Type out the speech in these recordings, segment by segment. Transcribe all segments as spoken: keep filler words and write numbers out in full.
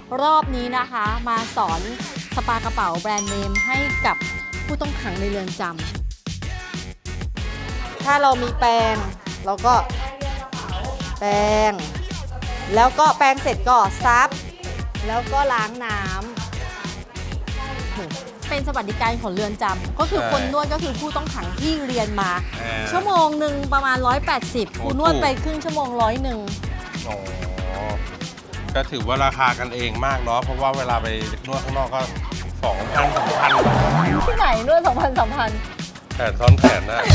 รอบนี้นะคะมาสอนสปากระเป๋าแบรนด์เนมให้กับผู้ต้องขังในเรือนจำถ้าเรามีแปรงเราก็แปรงแล้วก็แปรงเสร็จก็ซับแล้วก็ล้างน้ำเป็นสวัสดิการของเรือนจำก็คือคนนวดก็คือผู้ต้องขังที่เรียนมาชั่วโมงหนึ่งประมาณหนึ่งร้อยแปดสิบคุณนวดไปครึ่งชั่วโมงร้อยหนึ่งอ๋อก็ถือว่าราคากันเองมากเนาะเพราะว่าเวลาไปนวดข้างนอกก็สองพันสามพันที่ไหนนวดสองพันสามพันแขนซ้อนแขนนะ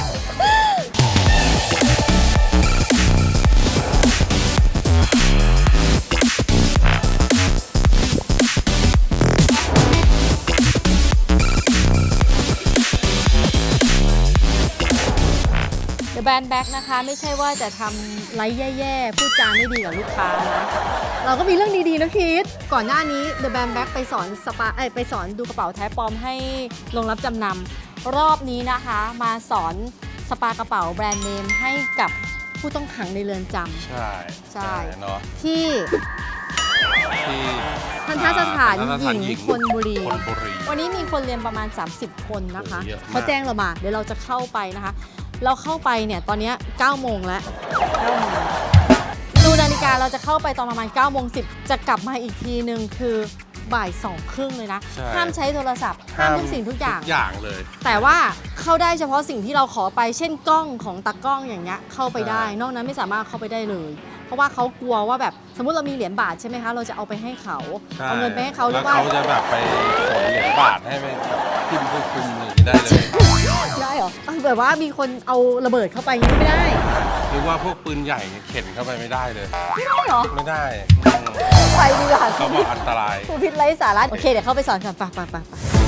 แบรนด์แบ็กนะคะไม่ใช่ว่าจะทำไลฟ์แย่ๆพูดจาไม่ดีกับลูกค้านะเราก็มีเรื่องดีๆนะคิดก่อนหน้านี้ The Brand Bag ไปสอนสปาเอ้ยไปสอนดูกระเป๋าแท้ปลอมให้โรงรับจำนำรอบนี้นะคะมาสอนสปากระเป๋าแบรนด์เนมให้กับผู้ต้องขังในเรือนจำใช่ใช่เนาะที่ที่ทันทสถานหญิงธนบุรีวันนี้มีคนเรียนประมาณสามสิบคนนะคะเขาแจ้งเรามาเดี๋ยวเราจะเข้าไปนะคะเราเข้าไปเนี่ยตอนนี้เก้าโมงแล้วเก้าโมงดูนาฬิกาเราจะเข้าไปตอนประมาณเก้าโมงสิบจะกลับมาอีกทีนึงคือบ่ายสองครึ่งเลยนะห้ามใช้โทรศัพท์ห้ามทุกสิ่งทุกอย่างทุกอย่างเลยแต่ว่าเข้าได้เฉพาะสิ่งที่เราขอไปเช่นกล้องของตากล้องอย่างเงี้ยเข้าไปได้นอกนั้นไม่สามารถเข้าไปได้เลยเพราะว่าเขากลัวว่าแบบสมมุติเรามีเหรียญบาทใช่ไหมคะเราจะเอาไปให้เขาเอาเงินไปให้เขาหรือว่าเขาจะแบบไปขนเหรียญบาทให้ไปพิมพ์คุมอย่างนี้ได้เลยได้เหรอแบบว่ามีคนเอาระเบิดเข้าไปยังไม่ได้หรือว่าพวกปืนใหญ่เข็นเข้าไปไม่ได้เลยไม่ได้เหรอไม่ได้ไปดีกว่าเขาบอกอันตรายผู้พิษไร้สาระโอเคเดี๋ยวเข้าไปสอนกันไปไปไป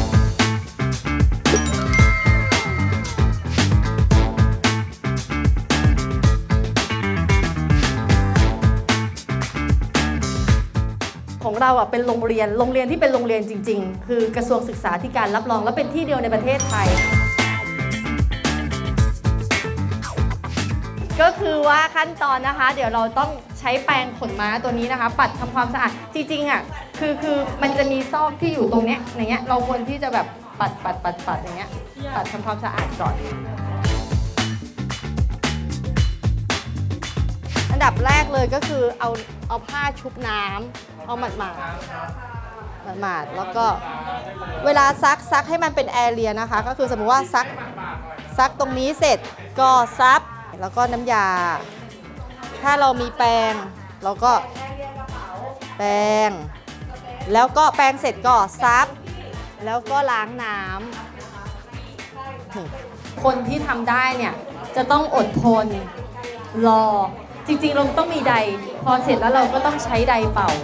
ของเราอ่ะเป็นโรงเรียนโรงเรียนที่เป็นโรงเรียนจริงๆคือกระทรวงศึกษาธิการรับรองและเป็นที่เดียวในประเทศไทยก็คือว่าขั้นตอนนะคะเดี๋ยวเราต้องใช้แปรงขนม้าตัวนี้นะคะปัดทำความสะอาดจริงๆอ่ะคือคือมันจะมีซอกที่อยู่ตรงเนี้ยอย่างเงี้ยเราควรที่จะแบบปัดปัดปัดปัดอย่างเงี้ยปัดทำความสะอาดก่อนอันดับแรกเลยก็คือเอาเอาผ้าชุบน้ำเอาหมาดหมาดหมาดแล้วก็เวลาซักซักให้มันเป็นแอเรียนะคะก็คือสมมติว่าซักซักตรงนี้เสร็จก็ซับแล้วก็น้ำยาถ้าเรามีแปรงเราก็แปรงแล้วก็แปรงเสร็จก็ซับแล้วก็ล้างน้ำคนที่ทำได้เนี่ยจะต้องอดทนรอจริงๆเราต้องมีไดพอเสร็จแล้วเราก็ต้องใช้ไดเป่า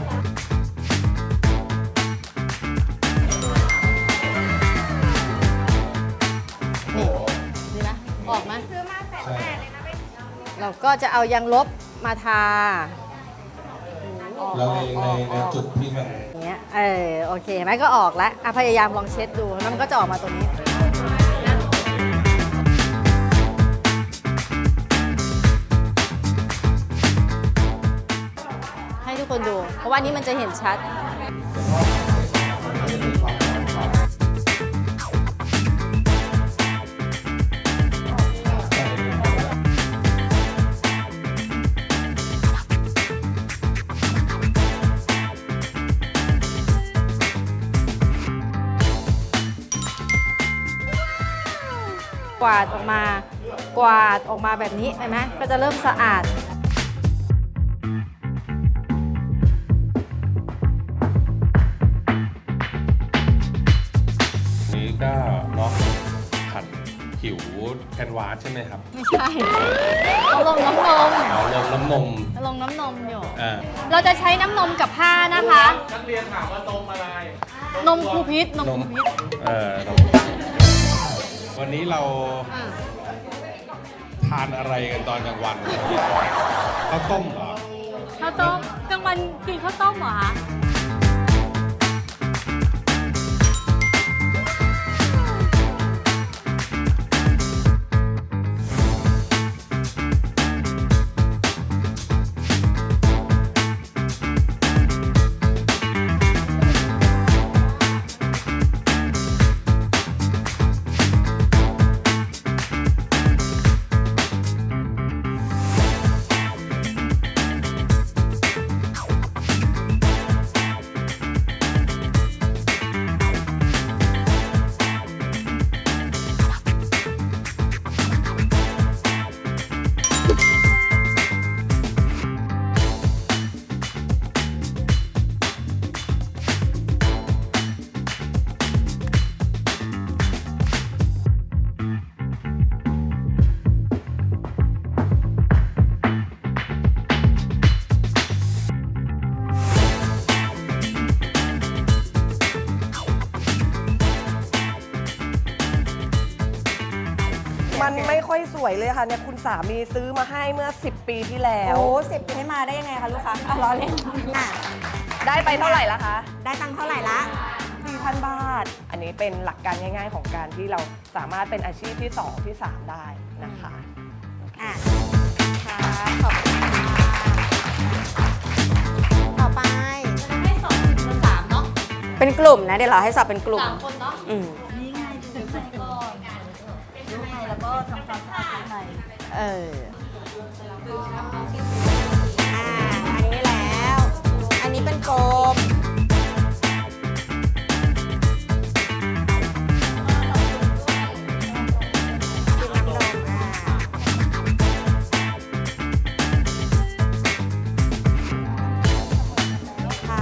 นี่ดีไหมออกไหมเราก็จะเอายางลบมาทาแล้วในในในจุดที่มันอย่างเงี้ยเออโอเคไหมก็ออกแล้วพยายามลองเช็ดดูแล้วมันก็จะออกมาตรงนี้ให้ทุกคนดูเพราะว่านี้มันจะเห็นชัดกวาดออกมากวาดออกมาแบบนี้เห็นไหมก็จะเริ่มสะอาดนี้ก็เนาะขัดผิวแคนวาสใช่ไหมครับไม่ใช่เอาลงน้ำนมเอาลงน้ำนมลงน้ำนมอยู่เราจะใช้น้ำนมกับผ้านะคะนักเรียนถามว่านมอะไรนมครูพิษนมครูพิษเออวันนี้เราทานอะไรกันตอนกลางวันข้าวต้มเหรอข้าวต้มกลางวันกินข้าวต้มเหรอคะค่อยสวยเลยค่ะเนี่ยคุณสามีซื้อมาให้เมื่อสิบปีที่แล้วโอ้สิบปีให้มาได้ยังไงคะลูกค้าอ่ะรอเล่นอ่ะได้ไปเท่าไหร่ละคะได้ตังค์เท่าไหร่ละสี่พัน บาท อันนี้เป็นหลักการง่ายๆของการที่เราสามารถเป็นอาชีพที่สองที่สามได้นะคะอ่ะค่ะขอบคุณค่ะต่อไปให้สองถึงสามเนาะเป็นกลุ่มนะเดี๋ยวเราให้สอบเป็นกลุ่มสามคนเนาะอืมเอออ่าอันนี้แล้ว อันนี้เป็นกลมกินน้ำนมอ่าค่ะ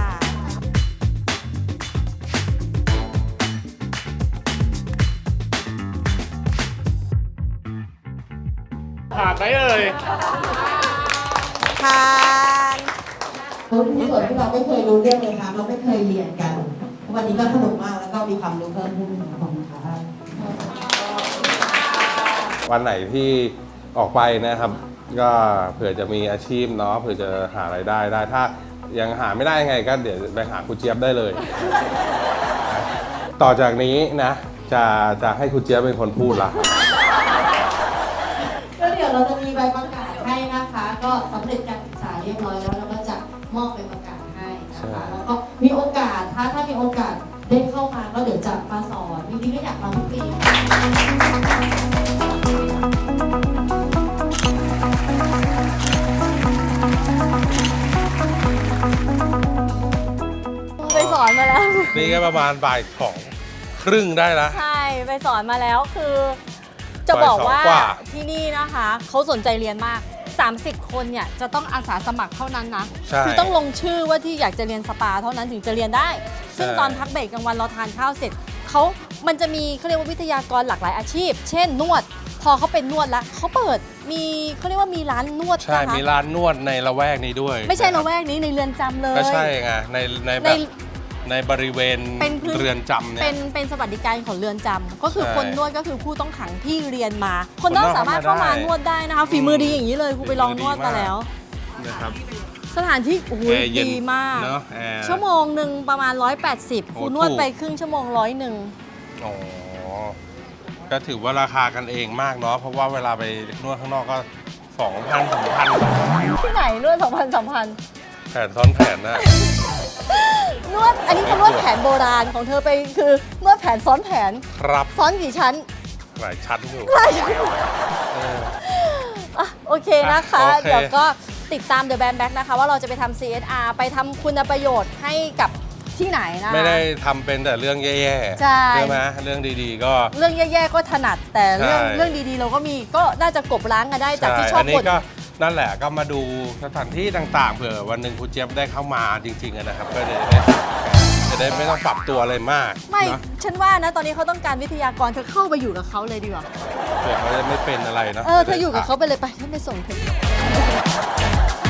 ผ่านไหมเอ่ยทานรู้ที่ส่วนที่เราไม่เคยรู้เรื่องเลยค่ะเราไม่เคยเรียนกัน วันนี้ก็สนุกมากแล้วก็มีความรู้เพิ่มขึ้นขอบคุณค่ะวันไหนที่ออกไปนะครับ ก็เผื่อจะมีอาชีพเนาะเผื่อจะหารายได้ได้ ถ้ายังหาไม่ได้ยังไงก็เดี๋ยวไปหาครูเจี๊ยบได้เลย ต่อจากนี้นะจะจะให้ครูเจี๊ยบเป็นคนพูดละก็เดี๋ยวเราจะมีใบประกาศให้นะคะ ก็สำเร็จการศึกษาเรียบร้อยแล้วเราก็จะมอบใบประกาศให้นะคะแล้วก็มีโอกาสถ้าถ้ามีโอกาสได้เข้ามาก็เดี๋ยวจะมาสอนจริงๆก็อยากมาทุกปีไปสอนมาแล้วนี่ก็ประมาณบ่ายสองครึ่งได้ละใช่ไปสอนมาแล้วคือจะบอกว่าบ่ายสองกว่าที่นี่นะคะเขาสนใจเรียนมาก สามสิบ คนเนี่ยจะต้องอาสาสมัครเท่านั้นนะใช่คือต้องลงชื่อว่าที่อยากจะเรียนสปาเท่านั้นถึงจะเรียนได้ ซึ่งใช่ตอนพักเบรกกลางวันเราทานข้าวเสร็จเขามันจะมีเขาเรียกว่าวิทยากรหลากหลายอาชีพ เช่นนวด พอเขาเป็นนวดแล้วเขาเปิดมีเขาเรียกว่ามีร้านนวดใช่นะคะมีร้านนวดในละแวกนี้ด้วยไม่ใช่นละแวกนี้ในเรือนจำเลยก็ใช่ไงในในแบในบในบริเวณเป็นพื้นเรือนจำเนี่ยเป็นเป็นสวัสดิการของเรือนจำก็คือใช่คนนวดก็คือผู้ต้องขังที่เรียนมา คนนอกคนนอกสามารถเข้ามาเข้ามาได้นวดได้นะคะฝีมือดีอย่างนี้เลยครูไปลองฝีนมือดีวดมาแล้วนะครับสถานที่โอ้โหแอร์เย็นดีมากเนอะแอร์ชั่วโมงหนึ่งประมาณ ร้อยแปดสิบโอ้ครูนวดถูกไปครึ่งชั่วโมงร้อยหนึ่งอ๋อก็ถือว่าราคากันเองมากเนาะเพราะว่าเวลาไปนวดข้างนอกก็สองพันสามพันที่ไหนนวดสองพันสามพันแผนซ้อนแผนนะนวดอันนี้คือนวดแผนโบราณของเธอไปคือนวดแผนซ้อนแผนครับซ้อนกี่ชั้นหลายชั้นอยู่หลายชั้นเอออ่ะโอเคนะคะอ่ะโอเคเดี๋ยวก็ติดตาม The Band Back นะคะ ว่าเราจะไปทำ ซี เอส อาร์ ไปทำคุณประโยชน์ให้กับที่ไหนนะคะไม่ได้ทำเป็นแต่เรื่องแย่ๆใช่ไหมเรื่องดีๆก็เรื่องแย่ๆก็ถนัดแต่เรื่องใช่เรื่องดีๆ เราก็มีก็น่าจะกลบล้างกันได้จากที่ชอบอันนี้บ่นก็นั่นแหละก็มาดูสถานที่ต่างๆเผื่อวันหนึ่งครูเจี๊ยบได้เข้ามาจริงๆอะนะครับ ก็จะได้จะได้ไม่ต้องปรับตัวอะไรมากไม่เนอะฉันว่านะตอนนี้เขาต้องการวิทยากรเธอเข้าไปอยู่กับเขาเลยดีกว่าเผื่อเขาจะไม่เป็นอะไรเนาะเออเธออยู่กับเขาไปเลยไปฉันไปส่งเธอ